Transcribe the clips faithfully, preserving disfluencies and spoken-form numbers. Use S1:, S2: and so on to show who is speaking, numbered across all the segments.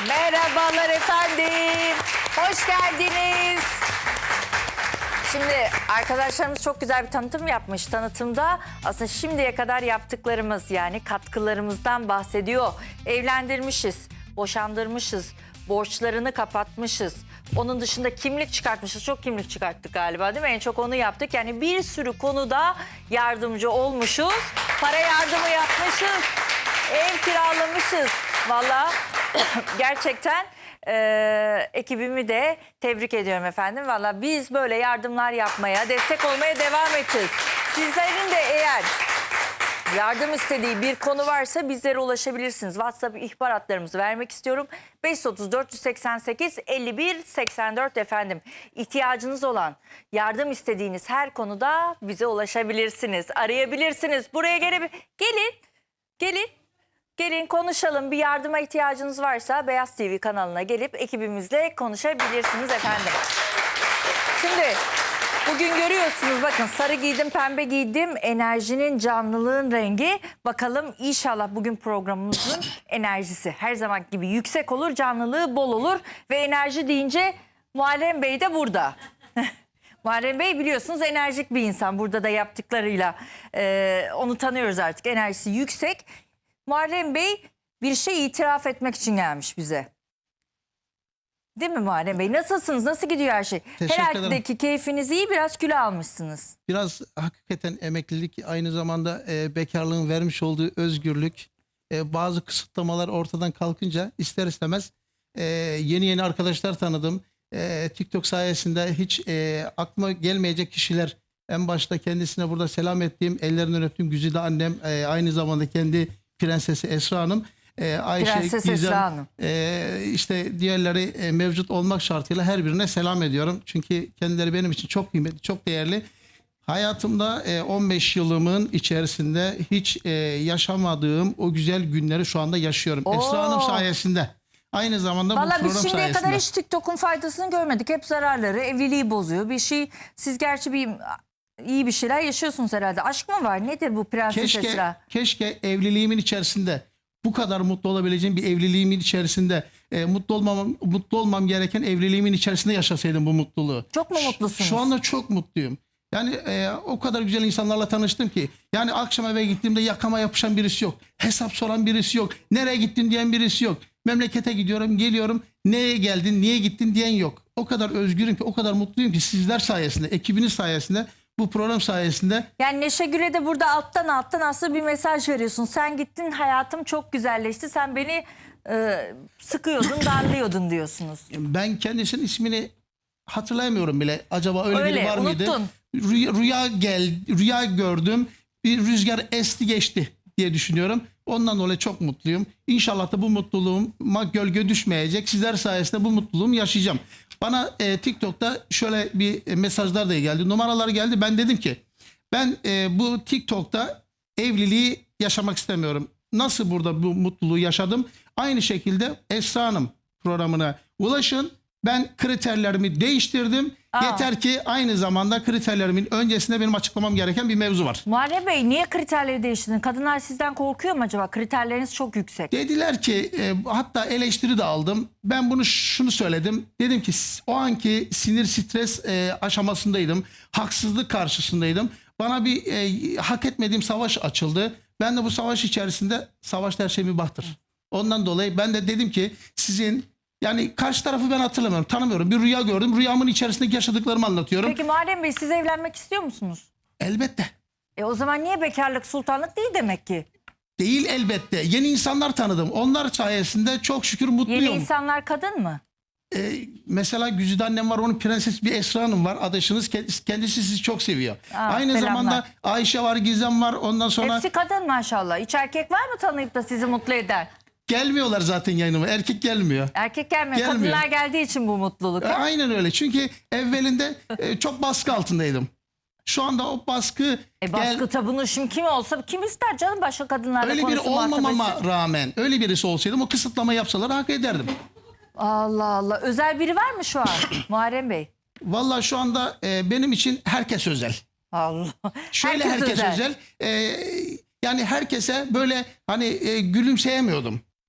S1: Merhabalar efendim. Hoş geldiniz. Şimdi arkadaşlarımız çok güzel bir tanıtım yapmış. Tanıtımda aslında şimdiye kadar yaptıklarımız, yani katkılarımızdan bahsediyor. Evlendirmişiz, boşandırmışız, borçlarını kapatmışız. Onun dışında kimlik çıkartmışız. Çok kimlik çıkarttık galiba, değil mi? En çok onu yaptık. Yani bir sürü konuda yardımcı olmuşuz. Para yardımı yapmışız. Ev kiralamışız. Vallahi gerçekten e, ekibimi de tebrik ediyorum efendim. Vallahi biz böyle yardımlar yapmaya, destek olmaya devam edeceğiz. Sizlerin de eğer yardım istediği bir konu varsa bizlere ulaşabilirsiniz. WhatsApp ihbar hatlarımızı vermek istiyorum. beş otuz dört seksen sekiz elli bir seksen dört efendim. İhtiyacınız olan, yardım istediğiniz her konuda bize ulaşabilirsiniz. Arayabilirsiniz. Buraya gele gelin. Gelin. Gelin konuşalım. Bir yardıma ihtiyacınız varsa Beyaz T V kanalına gelip ekibimizle konuşabilirsiniz efendim. Şimdi bugün görüyorsunuz, bakın sarı giydim, pembe giydim. Enerjinin, canlılığın rengi. Bakalım inşallah bugün programımızın enerjisi her zaman gibi yüksek olur, canlılığı bol olur. Ve enerji deyince Muharrem Bey de burada. Muharrem Bey biliyorsunuz enerjik bir insan. Burada da yaptıklarıyla e, onu tanıyoruz artık. Enerjisi yüksek. Muharrem Bey bir şey itiraf etmek için gelmiş bize. Değil mi Muharrem Bey? Nasılsınız? Nasıl gidiyor her şey? Herhalde keyfiniz iyi, biraz kilo almışsınız.
S2: Biraz hakikaten emeklilik, aynı zamanda e, bekarlığın vermiş olduğu özgürlük, e, bazı kısıtlamalar ortadan kalkınca ister istemez e, yeni yeni arkadaşlar tanıdım. E, TikTok sayesinde hiç e, aklıma gelmeyecek kişiler, en başta kendisine burada selam ettiğim, ellerinden öptüğüm Güzide annem, e, aynı zamanda kendi prensesi Esra Hanım, e, Ayşe,
S1: Prenses
S2: Gizem,
S1: Esra Hanım.
S2: e, işte diğerleri e, mevcut olmak şartıyla her birine selam ediyorum. Çünkü kendileri benim için çok kıymetli, çok değerli. Hayatımda e, on beş yılımın içerisinde hiç e, yaşamadığım o güzel günleri şu anda yaşıyorum.
S1: Oo.
S2: Esra Hanım sayesinde. Aynı zamanda
S1: Vallahi
S2: bu program
S1: biz şimdiye
S2: sayesinde.
S1: kadar hiç TikTok'un faydasını görmedik. Hep zararları, evliliği bozuyor. Bir şey, siz gerçi bir iyi bir şeyler yaşıyorsunuz herhalde. Aşk mı var? Nedir bu Prenses
S2: Keşke,
S1: Esra?
S2: keşke evliliğimin içerisinde, bu kadar mutlu olabileceğim bir evliliğimin içerisinde, e, mutlu olmam mutlu olmam gereken evliliğimin içerisinde yaşasaydım bu mutluluğu.
S1: Çok mu mutlusunuz?
S2: Şu anda çok mutluyum. Yani e, o kadar güzel insanlarla tanıştım ki. Yani akşam eve gittiğimde yakama yapışan birisi yok. Hesap soran birisi yok. Nereye gittin diyen birisi yok. Memlekete gidiyorum, geliyorum. Neye geldin, niye gittin diyen yok. O kadar özgürüm ki, o kadar mutluyum ki sizler sayesinde, ekibiniz sayesinde, bu program sayesinde.
S1: Yani Neşe Gül'e de burada alttan alttan aslında bir mesaj veriyorsun. Sen gittin, hayatım çok güzelleşti. Sen beni e, sıkıyordun, darlıyordun diyorsunuz.
S2: Ben kendisinin ismini hatırlayamıyorum bile. Acaba öyle,
S1: Öyle,
S2: biri var mıydı?
S1: unuttun.
S2: Rüya, rüya gel, rüya gördüm. Bir rüzgar esti geçti diye düşünüyorum. Ondan dolayı çok mutluyum. İnşallah da bu mutluluğuma gölge düşmeyecek. Sizler sayesinde bu mutluluğumu yaşayacağım. Bana e, TikTok'ta şöyle bir e, mesajlar da geldi. Numaralar geldi. Ben dedim ki ben e, bu TikTok'ta evliliği yaşamak istemiyorum. Nasıl burada bu mutluluğu yaşadım? Aynı şekilde Esra Hanım programına ulaşın. Ben kriterlerimi değiştirdim.
S1: Aa.
S2: Yeter ki aynı zamanda kriterlerimin öncesinde benim açıklamam gereken bir mevzu var.
S1: Muharrem Bey, niye kriterleri değiştirdin? Kadınlar sizden korkuyor mu acaba? Kriterleriniz çok yüksek.
S2: Dediler ki e, hatta eleştiri de aldım. Ben bunu şunu söyledim. Dedim ki o anki sinir stres e, aşamasındaydım. Haksızlık karşısındaydım. Bana bir e, hak etmediğim savaş açıldı. Ben de bu savaş içerisinde, savaş her şey mübahtır. Ondan dolayı ben de dedim ki sizin, yani karşı tarafı ben hatırlamıyorum, tanımıyorum. Bir rüya gördüm. Rüyamın içerisindeki yaşadıklarımı anlatıyorum.
S1: Peki Muharrem Bey, siz evlenmek istiyor musunuz?
S2: Elbette.
S1: E o zaman niye bekarlık sultanlık değil demek ki?
S2: Değil elbette. Yeni insanlar tanıdım. Onlar sayesinde çok şükür mutluyum.
S1: Yeni insanlar kadın mı?
S2: Ee, mesela Güzide annem var, onun prenses bir Esra Hanım var. Adaşınız kendisi, kendisi sizi çok seviyor.
S1: Aa,
S2: Aynı
S1: selamlar.
S2: zamanda Ayşe var, Gizem var. Ondan sonra
S1: Hepsi kadın maşallah. Hiç erkek var mı tanıyıp da sizi mutlu eder?
S2: gelmiyorlar zaten yayınıma. Erkek gelmiyor.
S1: Erkek gelmiyor.
S2: Gelmiyor.
S1: Kadınlar geldiği için bu mutluluk.
S2: E, aynen öyle. Çünkü evvelinde e, çok baskı altındaydım. Şu anda o baskı,
S1: E baskı
S2: gel,
S1: tabunu şimdi kim olsa kim ister canım, başka kadınlarla
S2: öyle biri
S1: konuşsun, muhatap
S2: olmamama
S1: etsin.
S2: rağmen, öyle birisi olsaydım o kısıtlama yapsalar hak ederdim.
S1: Allah Allah. Özel biri var mı şu an Muharrem Bey?
S2: Vallahi şu anda e, benim için herkes özel.
S1: Allah.
S2: Şöyle herkes,
S1: Herkes
S2: özel.
S1: özel.
S2: E, yani herkese böyle hani e, gülümseyemiyordum.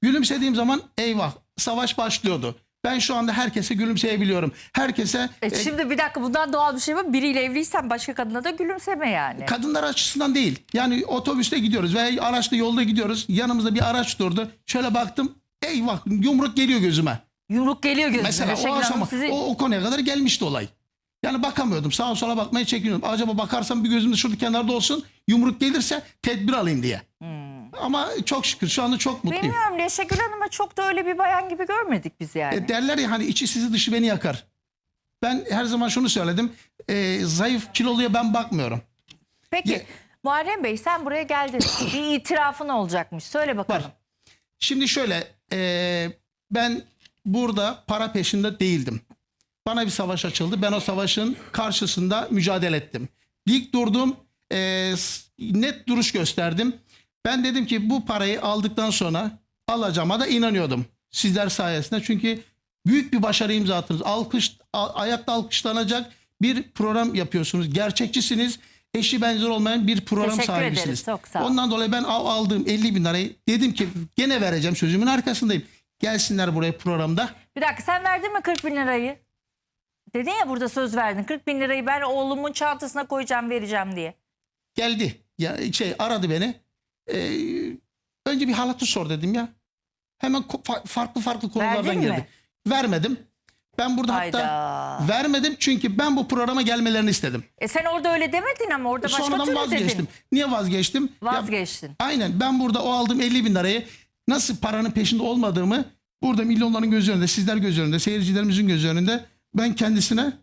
S2: Gülümsediğim zaman eyvah savaş başlıyordu. Ben şu anda herkese gülümseyebiliyorum. Herkese
S1: E
S2: e,
S1: şimdi bir dakika, bundan doğal bir şey var. Biriyle evliysen başka kadına da gülümseme yani.
S2: kadınlar açısından değil. Yani otobüste gidiyoruz veya araçta yolda gidiyoruz. Yanımızda bir araç durdu. Şöyle baktım. Eyvah yumruk geliyor gözüme.
S1: Yumruk geliyor gözüme.
S2: Mesela
S1: Şekil
S2: o
S1: Hanım
S2: aşama
S1: sizi...
S2: o, o konuya kadar gelmişti olay. Yani bakamıyordum. Sağa sola bakmaya çekiniyordum. Acaba bakarsam bir gözüm de şurada kenarda olsun. Yumruk gelirse tedbir alayım diye. Ama çok şükür şu anda çok mutluyum.
S1: Bilmiyorum, Neşegül Hanım'a çok da öyle bir bayan gibi görmedik biz yani.
S2: E, derler ya hani içi sizi dışı beni yakar. Ben her zaman şunu söyledim. E, zayıf kiloluya ben bakmıyorum.
S1: Peki
S2: Ye-
S1: Muharrem Bey, sen buraya geldin. Bir itirafın olacakmış. Söyle bakalım.
S2: Var. Şimdi şöyle e, ben burada para peşinde değildim. Bana bir savaş açıldı. Ben o savaşın karşısında mücadele ettim. Dik durdum. e, s- net duruş gösterdim. Ben dedim ki bu parayı aldıktan sonra alacağıma da inanıyordum. Sizler sayesinde. Çünkü büyük bir başarı imza attınız. Alkış, a- ayakta alkışlanacak bir program yapıyorsunuz. Gerçekçisiniz. Eşi benzeri olmayan bir program
S1: Teşekkür
S2: sahibisiniz.
S1: ederiz, çok sağ ol.
S2: Ondan dolayı ben al- aldığım elli bin lirayı dedim ki gene vereceğim, sözümün arkasındayım. Gelsinler buraya programda.
S1: Bir dakika, sen verdin mi kırk bin lirayı? Dedin ya, burada söz verdin. kırk bin lirayı ben oğlumun çantasına koyacağım, vereceğim diye.
S2: Geldi. Ya şey aradı beni. Ee, önce bir halatı sor dedim ya. Hemen ko- fa- farklı farklı konulardan
S1: Verdin mi?
S2: geldi. Vermedim. Ben burada hatta
S1: Hayda.
S2: vermedim çünkü ben bu programa gelmelerini istedim.
S1: E sen orada öyle demedin ama orada başka
S2: Sonradan
S1: türlü
S2: vazgeçtim.
S1: dedin.
S2: Niye vazgeçtim? Ya,
S1: Vazgeçtin.
S2: aynen ben burada o aldığım elli bin lirayı nasıl paranın peşinde olmadığımı burada milyonların göz önünde, sizler göz önünde, seyircilerimizin göz önünde ben kendisine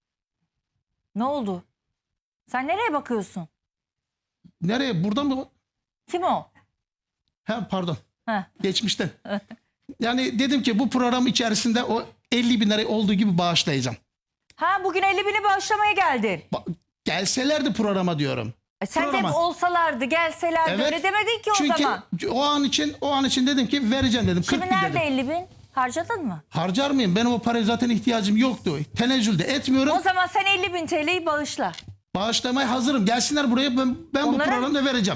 S1: Ne oldu? Sen nereye bakıyorsun?
S2: nereye buradan mı?
S1: Kim o?
S2: Ha pardon.
S1: Heh.
S2: Geçmişten. Yani dedim ki bu program içerisinde o elli bin lirayı olduğu gibi bağışlayacağım.
S1: Ha, bugün elli bini bağışlamaya geldin.
S2: Ba- Gelselerdi programa diyorum.
S1: E sen
S2: Programa.
S1: de olsalardı, gelselerdi,
S2: Evet.
S1: öyle demedin ki o
S2: Çünkü
S1: zaman.
S2: o an için o an için dedim ki vereceğim dedim.
S1: Şimdi
S2: kırk bin
S1: nerede
S2: dedim.
S1: elli bin? Harcadın mı?
S2: Harcar mıyım? Benim o paraya zaten ihtiyacım yoktu. Tenezzül de etmiyorum.
S1: O zaman sen elli bin T L'yi bağışla.
S2: Bağışlamaya hazırım. Gelsinler buraya, ben, ben bu
S1: Onlara-
S2: programda vereceğim.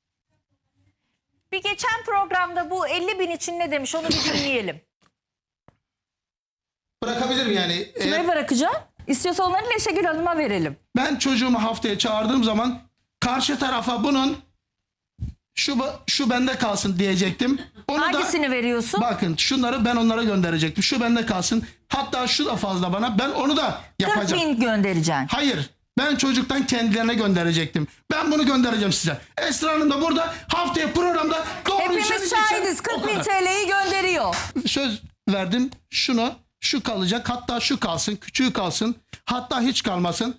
S1: Bir geçen programda bu elli bin için ne demiş, onu bir dinleyelim.
S2: Bırakabilirim yani.
S1: Kime
S2: Eğer
S1: bırakacağım? İstiyorsa onları Neşegül Hanım'a verelim.
S2: ben çocuğumu haftaya çağırdığım zaman karşı tarafa bunun şu şu bende kalsın diyecektim. Onu
S1: Hangisini
S2: da
S1: veriyorsun?
S2: bakın şunları ben onlara gönderecektim. Şu bende kalsın. Hatta şu da fazla bana. Ben onu da
S1: kırk
S2: yapacağım.
S1: bin göndereceksin.
S2: Hayır. Ben çocuktan kendilerine gönderecektim. Ben bunu göndereceğim size. Esra Hanım da burada haftaya programda doğruyu
S1: Hepimiz
S2: söyleyeceksin.
S1: şahidiz.
S2: O
S1: kırk bin
S2: kadar.
S1: T L'yi gönderiyor.
S2: Söz verdim. Şunu, şu kalacak. Hatta şu kalsın. Küçüğü kalsın. Hatta hiç kalmasın.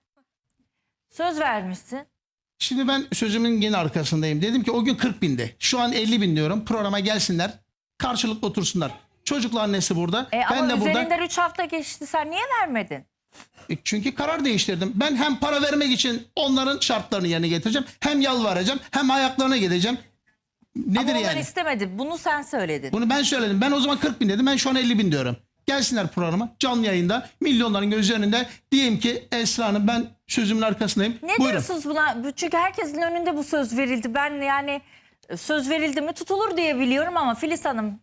S1: Söz vermişsin.
S2: Şimdi ben sözümün yine arkasındayım. Dedim ki o gün kırk bindi. Şu an elli bin diyorum. Programa gelsinler. Karşılıklı otursunlar. Çocukla annesi burada.
S1: E
S2: ben
S1: ama
S2: de burada.
S1: üzerinden üç hafta geçti. Sen niye vermedin?
S2: E, Çünkü karar değiştirdim. Ben hem para vermek için onların şartlarını yerine getireceğim. Hem yalvaracağım. Hem ayaklarına gideceğim. Nedir
S1: Ama onlar
S2: yani?
S1: istemedi. Bunu sen söyledin.
S2: Bunu ben söyledim. Ben o zaman kırk bin dedim. Ben şu an elli bin diyorum. Gelsinler programa. Canlı yayında. Milyonların gözü önünde. Diyeyim ki Esra Hanım ben sözümün arkasındayım.
S1: Ne
S2: Buyurun.
S1: diyorsunuz buna? Çünkü herkesin önünde bu söz verildi. Ben yani söz verildi mi tutulur diye biliyorum ama Filiz Hanım.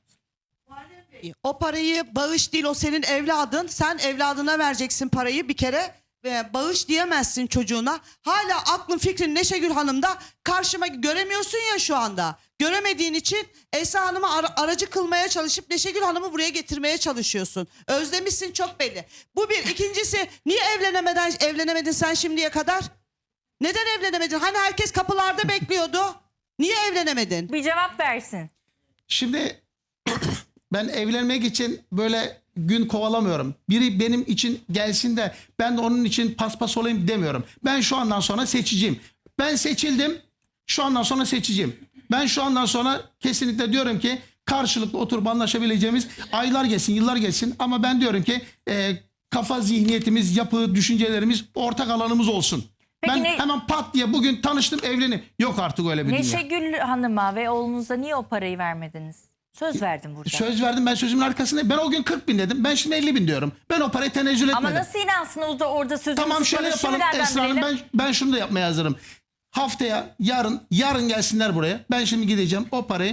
S3: O parayı bağış değil, o senin evladın. Sen evladına vereceksin parayı bir kere. Ve bağış diyemezsin çocuğuna. Hala aklın fikrin Neşegül Hanım'da, karşıma göremiyorsun ya şu anda. Göremediğin için Esra Hanım'ı ara- aracı kılmaya çalışıp Neşegül Hanım'ı buraya getirmeye çalışıyorsun. Özlemişsin çok belli. Bu bir. İkincisi, niye evlenemeden evlenemedin sen şimdiye kadar? Neden evlenemedin? Hani herkes kapılarda bekliyordu. Niye evlenemedin?
S1: Bir cevap versin.
S2: Şimdi ben evlenmek için böyle gün kovalamıyorum. Biri benim için gelsin de ben de onun için paspas olayım demiyorum. Ben şu andan sonra seçiciyim. Ben seçildim. Şu andan sonra seçiciyim. Ben şu andan sonra kesinlikle diyorum ki karşılıklı oturup anlaşabileceğimiz aylar geçsin, yıllar geçsin. Ama ben diyorum ki e, kafa zihniyetimiz, yapı, düşüncelerimiz, ortak alanımız olsun.
S1: Peki
S2: ben
S1: ne-
S2: hemen pat diye bugün tanıştım, evlenim. Yok artık öyle bir dünya.
S1: Neşegül Hanım'a ve oğlunuza niye o parayı vermediniz? Söz verdim burada.
S2: Söz verdim, ben sözümün arkasındayım. Ben o gün kırk bin dedim. Ben şimdi elli bin diyorum. Ben o parayı tenezzül etmedim.
S1: Ama nasıl inansın orada, orada sözünüzü
S2: Tamam şöyle
S1: tutmanız?
S2: yapalım
S1: Şimdi nereden
S2: Esra Hanım,
S1: bilelim?
S2: ben, ben şunu da yapmaya hazırım. Haftaya yarın yarın gelsinler buraya. Ben şimdi gideceğim o parayı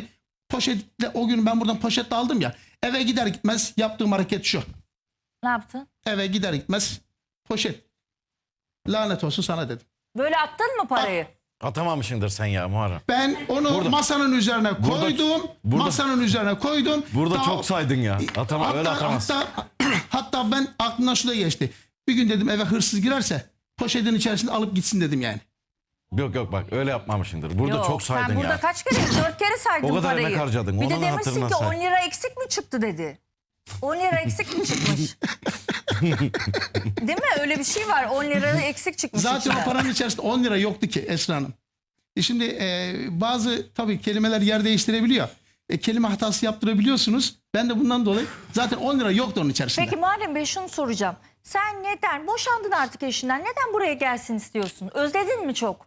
S2: Poşetle o gün ben buradan poşetle aldım ya. Eve gider gitmez yaptığım hareket şu.
S1: Ne yaptın?
S2: Eve gider gitmez poşet. Lanet olsun sana dedim.
S1: Böyle attın mı parayı?
S4: Atamamışsındır sen ya Muharrem.
S2: Ben onu
S4: Burada-
S2: masanın üzerine
S4: Burada-
S2: koydum.
S4: burada-
S2: masanın üzerine koydum.
S4: Burada
S2: Daha-
S4: çok saydın ya. Atama,
S2: hatta,
S4: öyle atamazsın.
S2: hatta, hatta ben aklımdan şu da geçti. Bir gün dedim eve hırsız girerse poşetin içerisinde alıp gitsin dedim yani.
S4: Yok yok bak öyle yapmamışsındır. Burada
S1: Yok,
S4: çok saydın
S1: sen burada
S4: ya.
S1: kaç kere? Dört kere saydın
S4: O kadar
S1: parayı.
S4: emek harcadın,
S1: Bir
S4: onu
S1: de
S4: da
S1: demişsin
S4: hatırına
S1: ki
S4: say.
S1: on lira eksik mi çıktı dedi. on lira eksik mi çıkmış? Değil mi? Öyle bir şey var. on lira eksik çıkmış.
S2: Zaten
S1: içinden.
S2: o paranın içerisinde on lira yoktu ki Esra Hanım. E şimdi e, bazı tabii kelimeler yer değiştirebiliyor. E, kelime hatası yaptırabiliyorsunuz. Ben de bundan dolayı zaten on lira yoktu onun içerisinde.
S1: Peki Muharrem Bey şunu soracağım. Sen neden boşandın artık eşinden? Neden buraya gelsin istiyorsun? Özledin mi çok?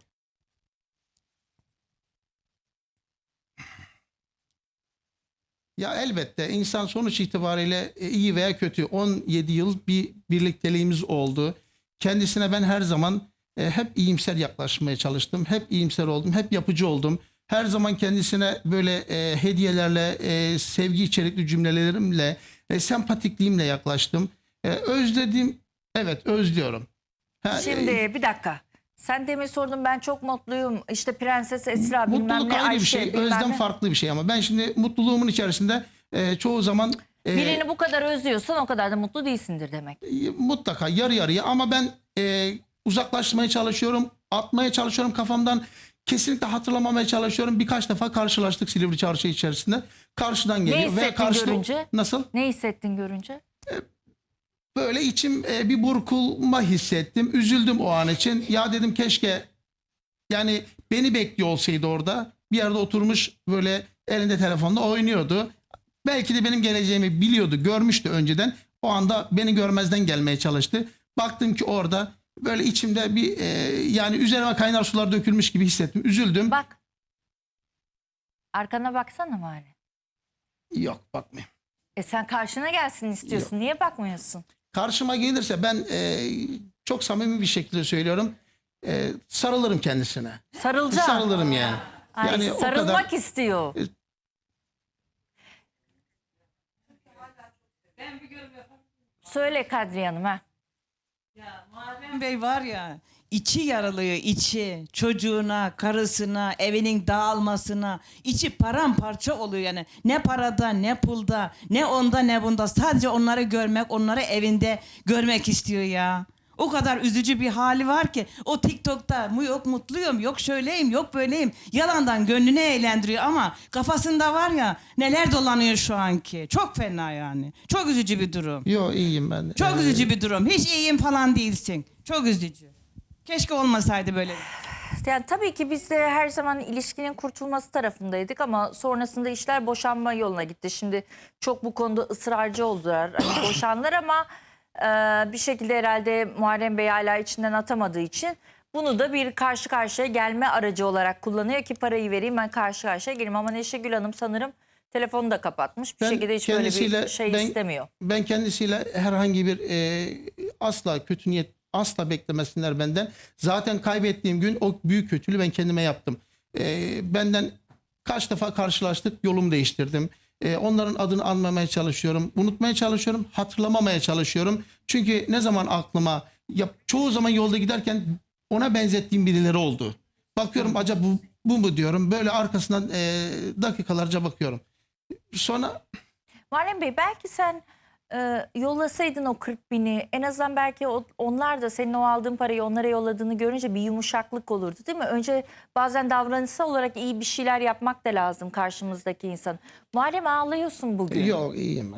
S2: Ya elbette insan sonuç itibariyle e, iyi veya kötü on yedi yıl bir birlikteliğimiz oldu. Kendisine ben her zaman e, hep iyimser yaklaşmaya çalıştım. Hep iyimser oldum. Hep yapıcı oldum. Her zaman kendisine böyle e, hediyelerle, e, sevgi içerikli cümlelerimle, e, sempatikliğimle yaklaştım. E, özledim. Evet özlüyorum. Ha, e,
S1: Şimdi bir dakika. Sen demin sordun ben çok mutluyum. İşte Prenses Esra bilmem
S2: mutluluk
S1: ne
S2: ayrı bir
S1: Ayşe
S2: şey.
S1: bilmem
S2: Özlem
S1: ne.
S2: farklı bir şey ama ben şimdi mutluluğumun içerisinde e, çoğu zaman e,
S1: Birini bu kadar özlüyorsan o kadar da mutlu değilsindir demek.
S2: mutlaka yarı yarıya ama ben e, uzaklaşmaya çalışıyorum, atmaya çalışıyorum kafamdan. Kesinlikle hatırlamamaya çalışıyorum. Birkaç defa karşılaştık Silivri Çarşı içerisinde. Karşıdan geliyor.
S1: hissettin
S2: karşıda-
S1: görünce?
S2: Nasıl?
S1: Ne hissettin görünce?
S2: Böyle içim e, bir burkulma hissettim. Üzüldüm o an için. Ya dedim keşke yani beni bekliyor olsaydı orada. Bir yerde oturmuş böyle elinde telefonla oynuyordu. Belki de benim geleceğimi biliyordu, görmüştü önceden. O anda beni görmezden gelmeye çalıştı. Baktım ki orada böyle içimde bir e, yani üzerime kaynar sular dökülmüş gibi hissettim. Üzüldüm.
S1: Bak. Arkana baksana Muharrem.
S2: Yok bakmayayım.
S1: E sen karşına gelsin istiyorsun. Niye bakmıyorsun?
S2: Karşıma gelirse ben e, çok samimi bir şekilde söylüyorum. E, sarılırım kendisine.
S1: Sarılacağım.
S2: Sarılırım yani.
S1: Ay,
S2: Yani o
S1: sarılmak
S2: kadar-
S1: istiyor. Söyle Kadriye Hanım ha.
S5: Muharrem Bey var ya, içi yaralıyor, içi çocuğuna, karısına, evinin dağılmasına, içi paramparça oluyor yani. Ne parada, ne pulda, ne onda, ne bunda. Sadece onları görmek, onları evinde görmek istiyor ya. O kadar üzücü bir hali var ki o TikTok'ta mu yok mutluyum, yok şöyleyim, yok böyleyim. Yalandan gönlünü eğlendiriyor ama kafasında var ya neler dolanıyor şu anki. Çok fena yani. Çok üzücü bir durum.
S2: Yok iyiyim ben. de.
S5: Çok
S2: E,
S5: üzücü bir durum. Hiç iyiyim falan değilsin. Çok üzücü. Keşke olmasaydı böyle.
S1: Yani tabii ki biz de her zaman ilişkinin kurtulması tarafındaydık ama sonrasında işler boşanma yoluna gitti. Şimdi çok bu konuda ısrarcı oldular. Hani boşanlar ama e, bir şekilde herhalde Muharrem Bey hala içinden atamadığı için bunu da bir karşı karşıya gelme aracı olarak kullanıyor ki parayı vereyim ben karşı karşıya geleyim. Ama Neşegül Hanım sanırım telefonu da kapatmış. Bir
S2: Ben
S1: şekilde hiç böyle bir
S2: kendisiyle-
S1: şey
S2: ben-
S1: istemiyor.
S2: Ben kendisiyle herhangi bir e, asla kötü niyet asla beklemesinler benden. Zaten kaybettiğim gün o büyük kötülüğü ben kendime yaptım. E, benden kaç defa karşılaştık yolumu değiştirdim. E, onların adını anmamaya çalışıyorum. Unutmaya çalışıyorum. Hatırlamamaya çalışıyorum. Çünkü ne zaman aklıma ya, çoğu zaman yolda giderken ona benzettiğim birileri oldu. Bakıyorum acaba bu, bu mu diyorum. Böyle arkasından e, dakikalarca bakıyorum. Sonra
S1: Muharrem Bey belki sen e, yollasaydın o kırk bini en azından belki o, onlar da senin o aldığın parayı onlara yolladığını görünce bir yumuşaklık olurdu değil mi? Önce bazen davranışsal olarak iyi bir şeyler yapmak da lazım karşımızdaki insan. Muharrem ağlıyorsun bugün.
S2: yok iyiyim ben.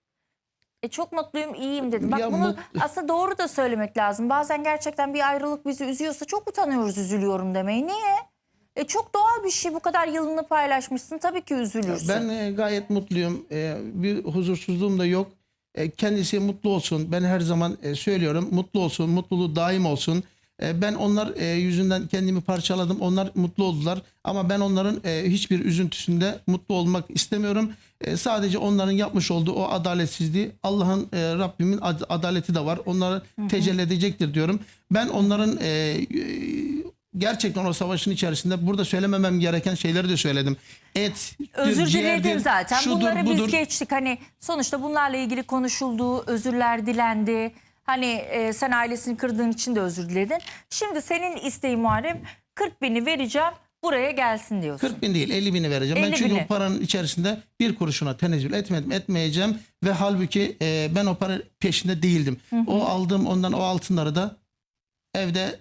S1: E, çok mutluyum iyiyim dedim. Bak
S2: Ya
S1: bunu
S2: mut-
S1: aslında doğru da söylemek lazım. Bazen gerçekten bir ayrılık bizi üzüyorsa çok utanıyoruz üzülüyorum demeyi. Niye? E, çok doğal bir şey bu kadar yılını paylaşmışsın tabii ki üzülürsün.
S2: Ben e, gayet mutluyum. E, bir huzursuzluğum da yok. E, kendisi mutlu olsun. Ben her zaman e, söylüyorum. Mutlu olsun. Mutluluğu daim olsun. E, ben onlar e, yüzünden kendimi parçaladım. Onlar mutlu oldular. Ama ben onların e, hiçbir üzüntüsünde mutlu olmak istemiyorum. E, sadece onların yapmış olduğu o adaletsizliği Allah'ın e, Rabbimin ad- adaleti de var. Onları tecelli edecektir diyorum. Ben onların e, e, gerçekten o savaşın içerisinde burada söylememem gereken şeyleri de söyledim. Et,
S1: Özür
S2: ciğerdir,
S1: diledim zaten.
S2: şudur,
S1: Bunları
S2: budur.
S1: biz geçtik. Hani sonuçta bunlarla ilgili konuşuldu, özürler dilendi. Hani e, sen ailesini kırdığın için de özür diledin. Şimdi senin isteğin Muharrem, kırk bini vereceğim, buraya gelsin diyorsun.
S2: kırk bin değil elli bini vereceğim. Ben
S1: elli
S2: çünkü
S1: bini.
S2: o paranın içerisinde bir kuruşuna tenezzül etmedim, etmeyeceğim. Ve halbuki e, ben o para peşinde değildim. O aldığım ondan o altınları da evde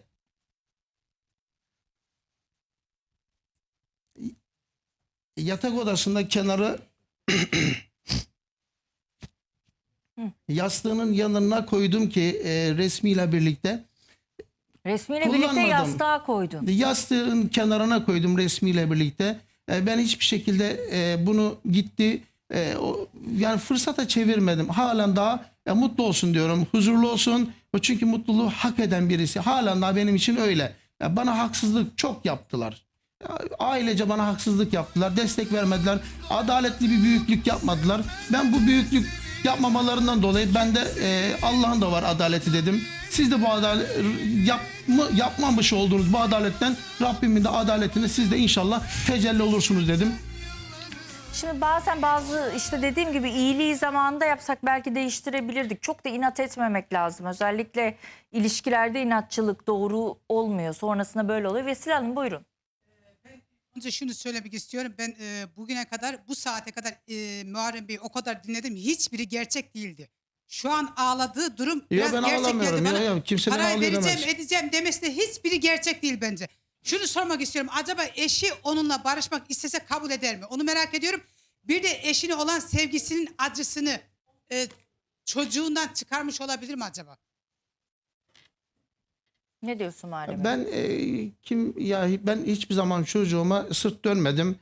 S2: yatak odasında kenarı yastığının yanına koydum ki e, resmiyle birlikte.
S1: Resmiyle birlikte
S2: Kullanmadım.
S1: yastığa koydun.
S2: Yastığın kenarına koydum resmiyle birlikte. E, ben hiçbir şekilde e, bunu gitti e, o, yani fırsata çevirmedim. Halen daha e, mutlu olsun diyorum. Huzurlu olsun. O çünkü mutluluğu hak eden birisi. Halen daha benim için öyle. Ya bana haksızlık çok yaptılar. Ya, ailece bana haksızlık yaptılar. Destek vermediler. Adaletli bir büyüklük yapmadılar. Ben bu büyüklük yapmamalarından dolayı ben de e, Allah'ın da var adaleti dedim. Siz de bu adalet yapma, yapmamış olduğunuz bu adaletten Rabbimin de adaletini siz de inşallah tecelli olursunuz dedim.
S1: Şimdi bazen bazı işte dediğim gibi iyiliği zamanında yapsak belki değiştirebilirdik. Çok da inat etmemek lazım. Özellikle ilişkilerde inatçılık doğru olmuyor. Sonrasında böyle oluyor. Vesile Hanım buyurun.
S6: Önce şunu söylemek istiyorum. Ben e, bugüne kadar, bu saate kadar e, Muharrem Bey'i o kadar dinledim. Hiçbiri gerçek değildi. Şu an ağladığı durum biraz
S2: ben
S6: gerçek
S2: ağlamıyorum.
S6: geldi
S2: Ya,
S6: bana.
S2: ya, kimse beni
S6: Parayı
S2: ağlıyor
S6: vereceğim,
S2: demez.
S6: edeceğim demesi de hiçbiri gerçek değil bence. Şunu sormak istiyorum. Acaba eşi onunla barışmak istese kabul eder mi? Onu merak ediyorum. Bir de eşine olan sevgisinin acısını e, çocuğundan çıkarmış olabilir mi acaba?
S1: Ne diyorsun Muharrem?
S2: Ben e, kim ya ben hiçbir zaman çocuğuma sırt dönmedim.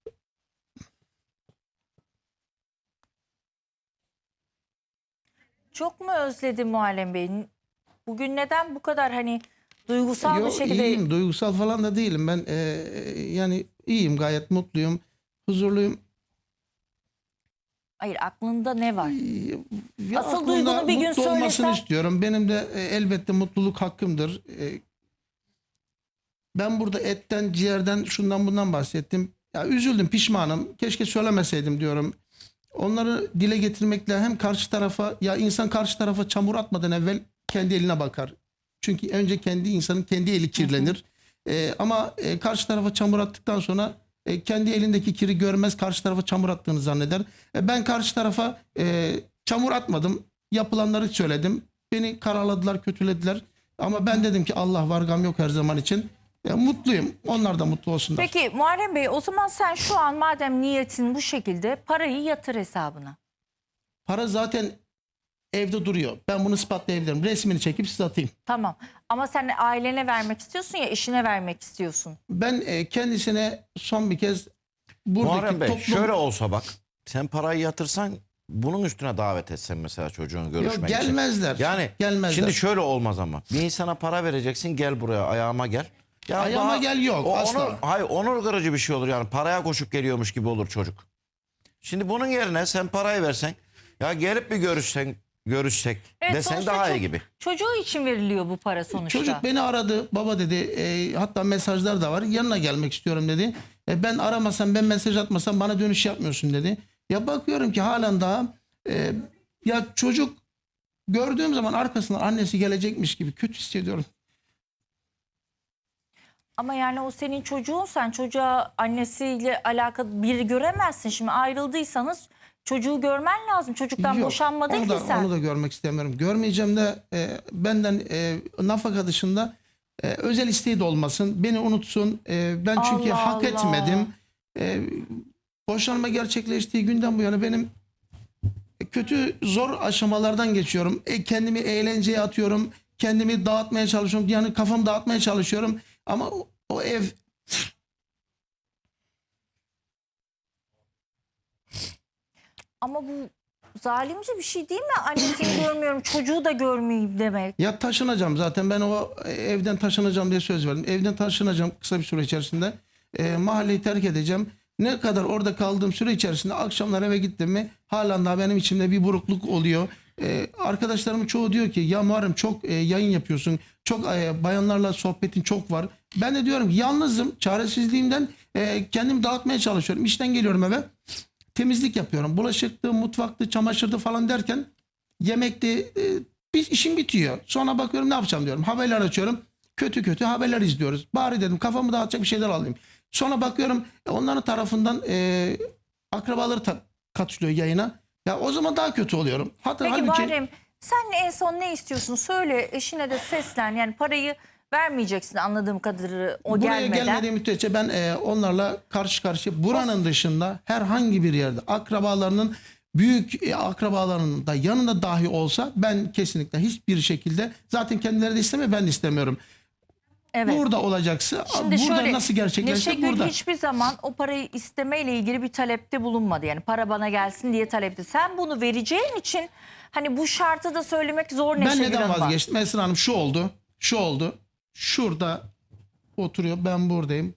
S1: Çok mu özledin Muharrem Bey? Bugün neden bu kadar hani duygusal
S2: Yo,
S1: bir şekilde...
S2: iyiyim, duygusal falan da değilim. Ben e, yani iyiyim, gayet mutluyum, huzurluyum.
S1: Hayır, aklında ne var?
S2: Ya
S1: Asıl
S2: aklımda
S1: duygunu bir gün
S2: mutlu olmasını
S1: söylesen-
S2: istiyorum. Benim de e, elbette mutluluk hakkımdır. E, ben burada etten, ciğerden, şundan bundan bahsettim. Ya üzüldüm, pişmanım. Keşke söylemeseydim diyorum. Onları dile getirmekle hem karşı tarafa, ya insan karşı tarafa çamur atmadan evvel kendi eline bakar. Çünkü önce kendi insanın kendi eli kirlenir. E, ama e, karşı tarafa çamur attıktan sonra e, kendi elindeki kiri görmez, karşı tarafa çamur attığını zanneder. E, ben karşı tarafa e, çamur atmadım. Yapılanları söyledim. Beni karaladılar, kötülediler. Ama ben dedim ki Allah var, gam yok her zaman için. E, mutluyum. Onlar da mutlu olsunlar.
S1: Peki Muharrem Bey, o zaman sen şu an madem niyetin bu şekilde parayı yatır hesabına.
S2: Para zaten evde duruyor. Ben bunu ispatlayabilirim. Resmini çekip size atayım.
S1: Tamam, ama sen ailene vermek istiyorsun ya, eşine vermek istiyorsun.
S2: Ben e, kendisine son bir kez buradaki
S4: Muharrem Bey
S2: toplum...
S4: şöyle olsa bak, sen parayı yatırsan bunun üstüne davet etsen mesela çocuğun görüşmek için.
S2: gelmezler.
S4: Yani
S2: Gelmezler.
S4: şimdi şöyle olmaz ama. Bir insana para vereceksin, gel buraya ayağıma gel. Ya
S2: Ayağıma gel yok,
S4: o,
S2: asla.
S4: Onur, hayır, onur kırıcı bir şey olur yani, paraya koşup geliyormuş gibi olur çocuk. Şimdi bunun yerine sen parayı versen, ya gelip bir görüşsen, görüşsek desen
S1: sonuçta
S4: daha iyi
S1: ço-
S4: gibi.
S1: Çocuğu için veriliyor bu para sonuçta.
S2: Çocuk beni aradı. Baba dedi, e, hatta mesajlar da var. Yanına gelmek istiyorum dedi. E, ben aramasam, ben mesaj atmasam bana dönüş yapmıyorsun dedi. Ya bakıyorum ki halen daha e, ya çocuk gördüğüm zaman arkasından annesi gelecekmiş gibi kötü hissediyorum.
S1: Ama yani o senin çocuğun, sen çocuğa annesiyle alakalı biri göremezsin. Şimdi ayrıldıysanız çocuğu görmen lazım. Çocuktan
S2: Yok,
S1: boşanmadın
S2: onu
S1: ki
S2: da,
S1: sen.
S2: onu da görmek istemiyorum. Görmeyeceğim de e, benden e, nafaka dışında e, özel isteği de olmasın. Beni unutsun. E, ben çünkü
S1: Allah
S2: hak
S1: Allah.
S2: etmedim. E, boşanma gerçekleştiği günden bu yana benim kötü, zor aşamalardan geçiyorum. E, kendimi eğlenceye atıyorum. Kendimi dağıtmaya çalışıyorum. Yani kafamı dağıtmaya çalışıyorum. Ama o, o ev...
S1: Ama bu zalimce bir şey değil mi? Annesini görmüyorum, çocuğu da görmeyeyim demek.
S2: Ya taşınacağım zaten, ben o evden taşınacağım diye söz verdim. Evden taşınacağım kısa bir süre içerisinde. E, mahalleyi terk edeceğim. Ne kadar orada kaldığım süre içerisinde akşamlar eve gittim mi halen daha benim içimde bir burukluk oluyor. E, arkadaşlarımın çoğu diyor ki ya Muharrem çok e, yayın yapıyorsun. Çok e, bayanlarla sohbetin çok var. Ben de diyorum ki yalnızım. Çaresizliğimden e, kendimi dağıtmaya çalışıyorum. İşten geliyorum eve. Temizlik yapıyorum. Bulaşıktı, mutfaktı, çamaşırdı falan derken yemekti. E, bir işim bitiyor. Sonra bakıyorum ne yapacağım diyorum. Haberler açıyorum. Kötü kötü haberler izliyoruz. Bari dedim kafamı dağıtacak bir şeyler alayım. Sonra bakıyorum e, onların tarafından e, akrabaları ta- katılıyor yayına. Ya o zaman daha kötü oluyorum. Hatta
S1: Peki
S2: halbuki
S1: Muharrem sen en son ne istiyorsun? Söyle, eşine de seslen. Yani parayı vermeyeceksin anladığım kadarıyla o
S2: buraya
S1: gelmeden.
S2: gelmediği müddetçe ben e, onlarla karşı karşıya buranın dışında herhangi bir yerde akrabalarının büyük e, akrabalarının da yanında dahi olsa ben kesinlikle hiçbir şekilde zaten kendileri de istemiyor, ben de istemiyorum.
S1: Evet.
S2: Burada olacaksa
S1: Şimdi
S2: burada
S1: şöyle,
S2: nasıl gerçekleşecek
S1: Neşegül
S2: burada.
S1: hiçbir zaman o parayı istemeyle ilgili bir talepte bulunmadı. Yani para bana gelsin diye talepte. Sen bunu vereceğin için hani bu şartı da söylemek zor
S2: Ben
S1: Neşegül
S2: neden
S1: Hanım'a.
S2: vazgeçtim? Esra Hanım şu oldu. Şu oldu. Şurada oturuyor. Ben buradayım.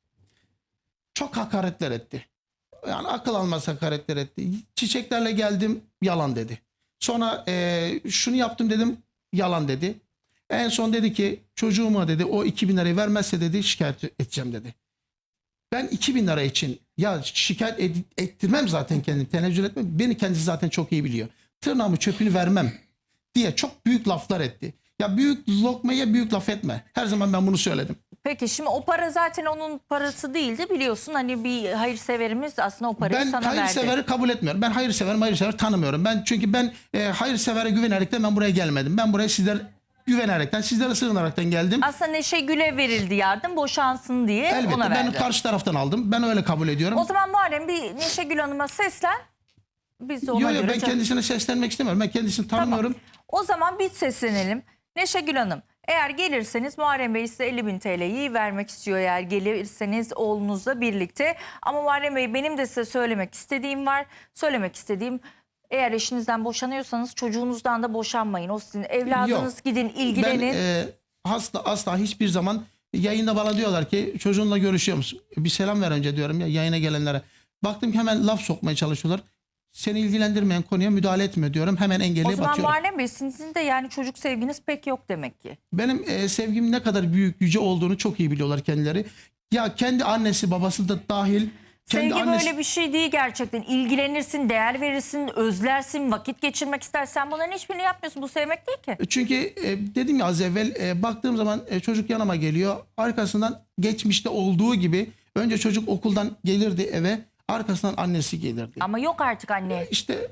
S2: Çok hakaretler etti. Yani akıl almaz hakaretler etti. Çiçeklerle geldim. Yalan dedi. Sonra e, şunu yaptım dedim. Yalan dedi. En son dedi ki çocuğuma dedi o iki bin lirayı vermezse dedi şikayet edeceğim dedi. Ben iki bin lira için ya şikayet ed- ettirmem zaten kendimi. Tenezzül etmem. Beni kendisi zaten çok iyi biliyor. Tırnağımı çöpünü vermem diye çok büyük laflar etti. Ya büyük lokmaya büyük laf etme. Her zaman ben bunu söyledim.
S1: Peki şimdi o para zaten onun parası değildi biliyorsun. Hani bir hayırseverimiz aslında o parayı
S2: Ben
S1: sana verdi.
S2: hayırseveri kabul etmiyorum. Ben hayırseverim hayırsever tanımıyorum. Ben çünkü ben e, hayırsevere güvenerekten ben buraya gelmedim. Ben buraya sizler güvenerekten, sizlere sığınaraktan geldim.
S1: Aslında Neşegül'e verildi yardım boşansın diye
S2: Elbette
S1: ona
S2: ben
S1: verdi.
S2: karşı taraftan aldım. Ben öyle kabul ediyorum.
S1: O zaman Muharrem bir Neşegül Hanım'a seslen. Biz de ona
S2: Yok yok
S1: göre...
S2: ben
S1: cevap-
S2: kendisine seslenmek istemiyorum. Ben kendisini
S1: Tamam.
S2: tanımıyorum.
S1: O zaman biz seslenelim. Neşegül Hanım eğer gelirseniz Muharrem Bey size elli bin T L'yi vermek istiyor eğer gelirseniz oğlunuzla birlikte. Ama Muharrem Bey benim de size söylemek istediğim var. Söylemek istediğim eğer eşinizden boşanıyorsanız çocuğunuzdan da boşanmayın. O sizin evladınız
S2: Yok.
S1: gidin ilgilenin.
S2: Ben e, asla, asla hiçbir zaman yayında bana diyorlar ki çocuğunla görüşüyor musun? Bir selam ver önce diyorum ya yayına gelenlere. Baktım ki hemen laf sokmaya çalışıyorlar. Seni ilgilendirmeyen konuya müdahale etme diyorum. Hemen
S1: O
S2: engelleyip
S1: zaman
S2: atıyorum.
S1: Muharrem Bey sizin de yani çocuk sevginiz pek yok demek ki.
S2: Benim e, sevgim ne kadar büyük yüce olduğunu çok iyi biliyorlar kendileri. Ya kendi annesi babası da dahil. Kendi
S1: Sevgi
S2: annesi...
S1: böyle bir şey değil gerçekten. İlgilenirsin, değer verirsin, özlersin, vakit geçirmek istersen bunların hiçbirini yapmıyorsun. Bu sevmek değil ki.
S2: Çünkü e, dedim ya az evvel e, baktığım zaman e, çocuk yanıma geliyor. Arkasından geçmişte olduğu gibi önce çocuk okuldan gelirdi eve. Arkasından annesi gelirdi.
S1: Ama yok artık anne.
S2: İşte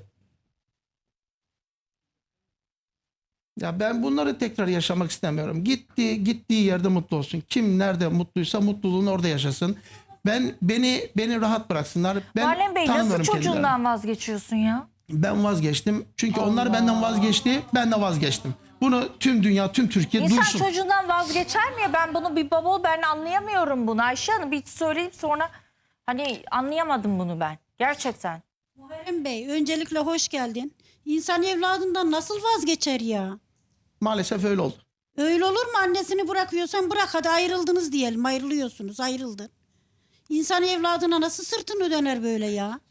S2: ya ben bunları tekrar yaşamak istemiyorum. Gitti gittiği yerde mutlu olsun. Kim nerede mutluysa mutluluğunu orada yaşasın. Ben beni beni rahat bıraksınlar. Ben
S1: Muharrem Bey nasıl
S2: tanımıyorum
S1: çocuğundan
S2: kendilerini.
S1: vazgeçiyorsun ya?
S2: Ben vazgeçtim. Çünkü onlar
S1: Allah.
S2: benden vazgeçti. Ben de vazgeçtim. Bunu tüm dünya, tüm Türkiye
S1: İnsan
S2: duysun.
S1: çocuğundan vazgeçer mi ya? Ben bunu bir baba ol ben anlayamıyorum bunu. Ayşe Hanım bir söyleyeyim sonra hani anlayamadım bunu ben. Gerçekten.
S7: Muharrem Bey öncelikle hoş geldin. İnsan evladından nasıl vazgeçer ya?
S2: Maalesef öyle oldu.
S7: Öyle olur mu? Annesini bırakıyorsan bırak, hadi ayrıldınız diyelim. Ayrılıyorsunuz, ayrıldın. İnsan evladına nasıl sırtını döner böyle ya?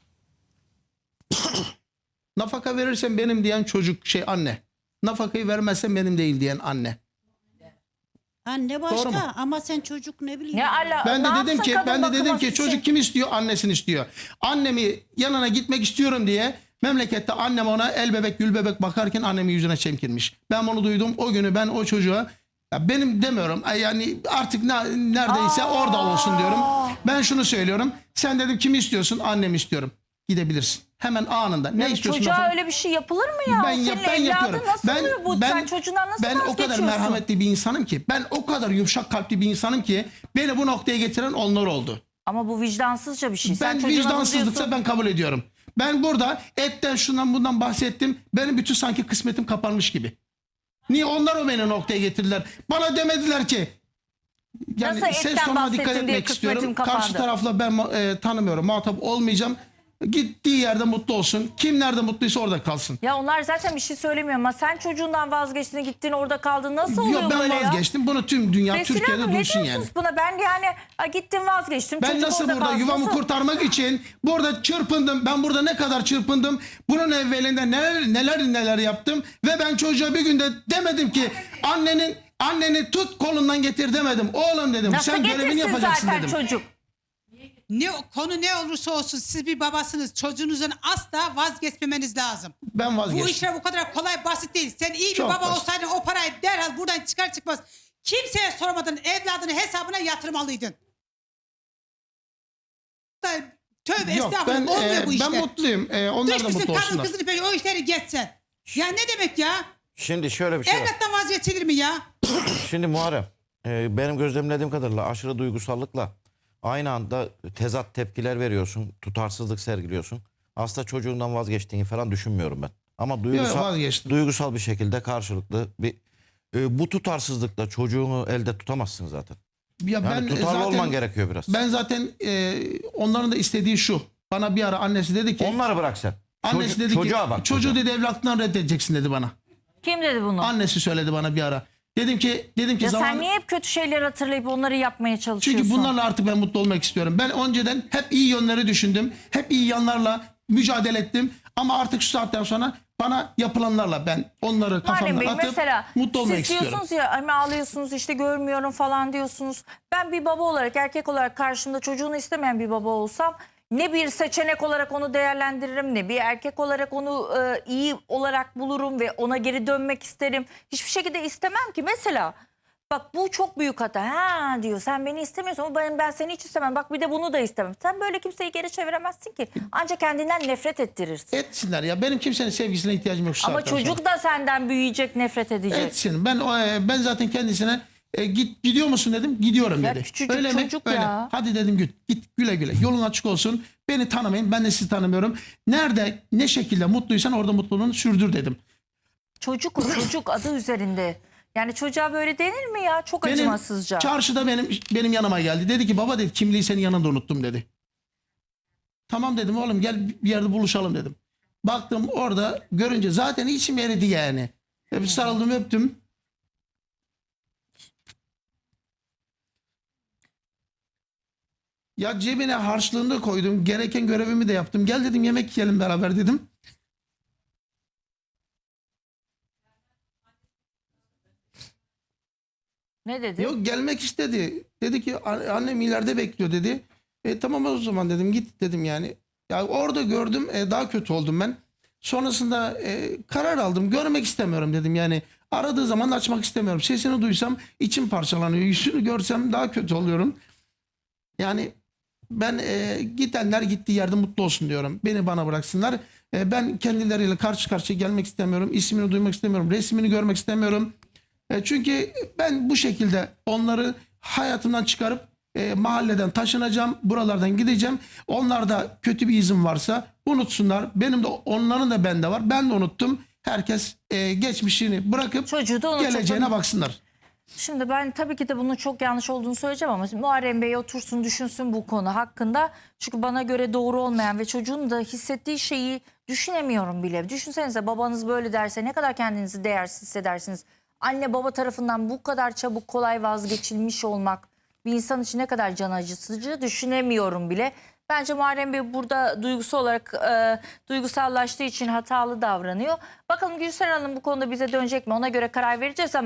S2: Nafaka verirsen benim diyen çocuk şey anne. Nafakayı vermezsen benim değil diyen anne.
S7: Anne
S2: Doğru mu?
S7: başka ama sen çocuk ne bileyim.
S1: Ne ala,
S2: Ben de
S1: ne
S2: dedim
S1: yapsın
S2: ki
S1: kadın
S2: ben de dedim
S1: bakıması
S2: ki
S1: için?
S2: çocuk kim istiyor? Annesini istiyor. Annemi yanına gitmek istiyorum diye memlekette annem ona el bebek gül bebek bakarken annemin yüzüne çemkirmiş. Ben bunu duydum. O günü ben o çocuğa ya benim demiyorum yani artık ne, neredeyse
S1: Aa.
S2: orada olsun diyorum. Ben şunu söylüyorum. Sen dedim kimi istiyorsun? Annemi istiyorum. Gidebilirsin. Hemen anında. Ne
S1: Ya
S2: istiyorsun?
S1: çocuğa
S2: lafı?
S1: öyle bir şey yapılır mı ya?
S2: Ben,
S1: O
S2: yap,
S1: senin
S2: ben
S1: evladın
S2: yapıyorum.
S1: nasıl
S2: ben,
S1: oluyor bu?
S2: ben,
S1: Sen çocuğundan nasıl
S2: ben o kadar
S1: vazgeçiyorsun?
S2: merhametli bir insanım ki. Ben o kadar yumuşak kalpli bir insanım ki beni bu noktaya getiren onlar oldu.
S1: Ama bu vicdansızca bir şey. Sen
S2: Ben
S1: çocuğuna
S2: vicdansızlıksa
S1: kızıyorsun.
S2: ben kabul ediyorum. Ben burada etten şundan bundan bahsettim. Benim bütün sanki kısmetim kapanmış gibi. Niye onlar o beni noktaya getirdiler? Bana demediler ki yani
S1: Nasıl
S2: ses
S1: etten
S2: tonuna dikkat
S1: bahsettin diye
S2: etmek
S1: kısmetim
S2: istiyorum.
S1: kapandı?
S2: Karşı tarafla ben e, tanımıyorum. Muhatap olmayacağım. Gittiği yerde mutlu olsun. Kim nerede mutluysa orada kalsın.
S1: Ya onlar zaten bir şey söylemiyor ama sen çocuğundan vazgeçtin gittin orada kaldın. Nasıl oluyor
S2: Yok ben
S1: böyle ya?
S2: vazgeçtim. Bunu tüm dünya
S1: Vesile
S2: Türkiye'de
S1: Hanım, ne
S2: duysun
S1: diyorsunuz
S2: yani.
S1: buna? Ben yani ha, gittim vazgeçtim.
S2: Ben
S1: çocuk
S2: nasıl
S1: orada
S2: burada
S1: kalsın.
S2: yuvamı
S1: Nasıl?
S2: kurtarmak için burada çırpındım. Ben burada ne kadar çırpındım. Bunun evvelinde neler neler neler yaptım. Ve ben çocuğa bir günde demedim ki annenin Anneni tut kolundan getir demedim. Oğlum dedim
S1: Nasıl
S2: sen görevini
S1: getirsin
S2: yapacaksın
S1: zaten
S2: dedim.
S1: çocuk?
S6: Ne konu ne olursa olsun siz bir babasınız. Çocuğunuzun asla vazgeçmemeniz lazım.
S2: Ben vazgeçtim.
S6: Bu işler bu kadar kolay basit değil. Sen iyi bir
S2: Çok
S6: baba
S2: basit.
S6: olsaydın o parayı derhal buradan çıkar çıkmaz kimseye sormadan evladının hesabına yatırmalıydın. Da- Tövbe
S2: Yok ben,
S6: estağfurullah olmuyor
S2: e,
S6: bu işler.
S2: ben mutluyum. E, onlar da
S6: Düşmüşsün
S2: mutlu
S6: kadın
S2: olsunlar.
S6: kızını peki o işleri geçsen. Ya ne demek ya?
S4: Şimdi şöyle bir şey var.
S6: Evlattan vazgeçilir mi ya?
S4: Şimdi Muharrem, e, benim gözlemlediğim kadarıyla aşırı duygusallıkla aynı anda tezat tepkiler veriyorsun, tutarsızlık sergiliyorsun. Aslında çocuğundan vazgeçtiğini falan düşünmüyorum ben. Ama duygusal,
S2: vazgeçtim.
S4: duygusal bir şekilde karşılıklı bir e, bu tutarsızlıkla çocuğunu elde tutamazsın zaten.
S2: Ya
S4: Yani
S2: ben
S4: tutarlı
S2: zaten,
S4: olman gerekiyor biraz.
S2: Ben zaten e, onların da istediği şu. Bana bir ara annesi dedi ki.
S4: Onları bırak sen.
S2: Annesi
S4: Çocuğu-
S2: dedi
S4: çocuğa
S2: ki
S4: bak.
S2: çocuğu
S4: çocuğa.
S2: dedi evlatından reddedeceksin dedi bana.
S1: Kim dedi bunu?
S2: Annesi söyledi bana bir ara. Dedim ki dedim ki
S1: Ya
S2: zaman
S1: sen niye hep kötü şeyler hatırlayıp onları yapmaya çalışıyorsun?
S2: çünkü bunlarla artık ben mutlu olmak istiyorum. Ben önceden hep iyi yönleri düşündüm. Hep iyi yanlarla mücadele ettim. Ama artık şu saatten sonra bana yapılanlarla ben onları
S1: Muharrem
S2: kafamdan
S1: Bey
S2: atıp
S1: mesela
S2: mutlu olmak
S1: siz
S2: istiyorum.
S1: diyorsunuz ya hani ağlıyorsunuz işte görmüyorum falan diyorsunuz. Ben bir baba olarak erkek olarak karşımda çocuğunu istemeyen bir baba olsam ne bir seçenek olarak onu değerlendiririm ne bir erkek olarak onu e, iyi olarak bulurum ve ona geri dönmek isterim. Hiçbir şekilde istemem ki mesela. Bak bu çok büyük hata. Ha diyor sen beni istemiyorsun ama ben, ben seni hiç istemem. Bak bir de bunu da istemem. Sen böyle kimseyi geri çeviremezsin ki. Ancak kendinden nefret ettirirsin.
S2: Etsinler ya. Benim kimsenin sevgisine ihtiyacım yok şu
S1: Ama
S2: saatten sonra.
S1: çocuk da senden büyüyecek, nefret edecek.
S2: Etsin. Ben o, e, ben zaten kendisine e, git gidiyor musun dedim. Gidiyorum
S1: Ya
S2: dedi.
S1: küçücük
S2: Öyle mi?
S1: çocuk
S2: Öyle.
S1: ya.
S2: Hadi dedim git. Git güle güle. Yolun açık olsun. Beni tanımayın. Ben de sizi tanımıyorum. Nerede ne şekilde mutluysan orada mutluluğunu sürdür dedim.
S1: Çocuk o çocuk adı üzerinde. Yani çocuğa böyle denir mi ya? Çok
S2: Benim
S1: acımasızca.
S2: çarşıda benim benim yanıma geldi. Dedi ki baba dedi kimliği senin yanında unuttum dedi. Tamam dedim oğlum gel bir yerde buluşalım dedim. Baktım orada görünce zaten içim eridi yani. Hep sarıldım öptüm. Ya cebine harçlığını da koydum. Gereken görevimi de yaptım. Gel dedim yemek yiyelim beraber dedim.
S1: Ne dedi?
S2: Yok gelmek istedi. Dedi ki "An- annem ileride bekliyor" dedi. E tamam o zaman dedim git dedim yani. Ya orada gördüm e, daha kötü oldum ben. Sonrasında e, karar aldım. Görmek istemiyorum dedim yani. Aradığı zaman açmak istemiyorum. Sesini duysam içim parçalanıyor. Yüzünü görsem daha kötü oluyorum. Yani ben e, gidenler gittiği yerde mutlu olsun diyorum. Beni bana bıraksınlar. E, ben kendileriyle karşı karşıya gelmek istemiyorum. İsmini duymak istemiyorum. Resmini görmek istemiyorum. E, çünkü ben bu şekilde onları hayatımdan çıkarıp e, mahalleden taşınacağım. Buralardan gideceğim. Onlarda kötü bir izin varsa unutsunlar. Benim de onların da bende var. Ben de unuttum. Herkes e, geçmişini bırakıp
S1: Çocuğu da unutup-
S2: geleceğine baksınlar.
S1: Şimdi ben tabii ki de bunun çok yanlış olduğunu söyleyeceğim ama Muharrem Bey otursun düşünsün bu konu hakkında. Çünkü bana göre doğru olmayan ve çocuğun da hissettiği şeyi düşünemiyorum bile. Düşünsenize babanız böyle derse ne kadar kendinizi değersiz hissedersiniz. Anne baba tarafından bu kadar çabuk kolay vazgeçilmiş olmak bir insan için ne kadar can acıtıcı düşünemiyorum bile. Bence Muharrem Bey burada duygusal olarak e, duygusallaştığı için hatalı davranıyor. Bakalım Gülseren Hanım bu konuda bize dönecek mi? Ona göre karar vereceğiz ama